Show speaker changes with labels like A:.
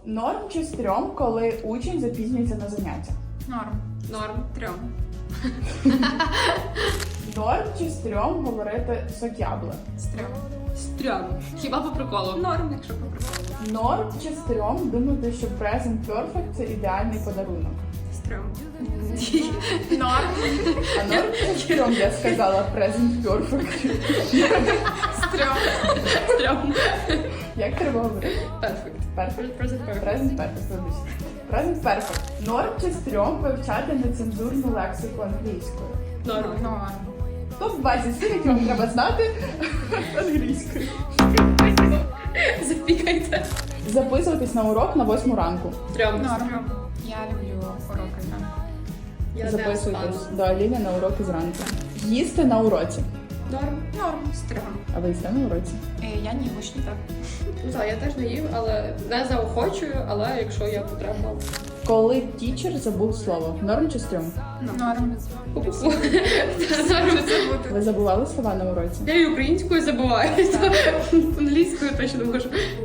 A: Норм чи стрьом, коли учень запізнюється на заняття?
B: Норм. Трьом.
A: Норм чи стрьом говорити сокябле?
B: Стрьом. Хіба по приколу? Норм, якщо по приколу.
A: Норм чи стрьом думати, що present perfect – це ідеальний подарунок?
B: Стрьом.
C: Норм.
A: А норм чи стрьом, я сказала present perfect.
B: Стрьом.
A: Як треба говорити?
B: Перфект.
A: Perfect.
B: Present perfect.
A: Present perfect, вибачте. Present perfect. Норм чи стрьом вивчати нецензурну лексику англійською?
B: Норм.
A: Топ-20 слів, які вам треба знати англійською.
B: Запікайте.
A: Записуватись на урок на 8 ранку.
B: Трьом.
C: Я люблю уроки зранку.
B: Я не
A: Записуйтесь
B: встану.
A: до Аліни на уроки зранку. Їсти на уроці.
B: Норм.
C: Стрьом.
A: А ви їсте на уроці?
C: Я не учні. Так.
B: Ну так, я теж не їм, але не заохочую, але якщо є потреба.
A: Коли тічер забув слово. Норм чи стрьом?
C: Норм.
B: Пу-пу-пу.
A: Ви забували слова на уроці?
B: Я і українською забуваю, то англійською точно можу.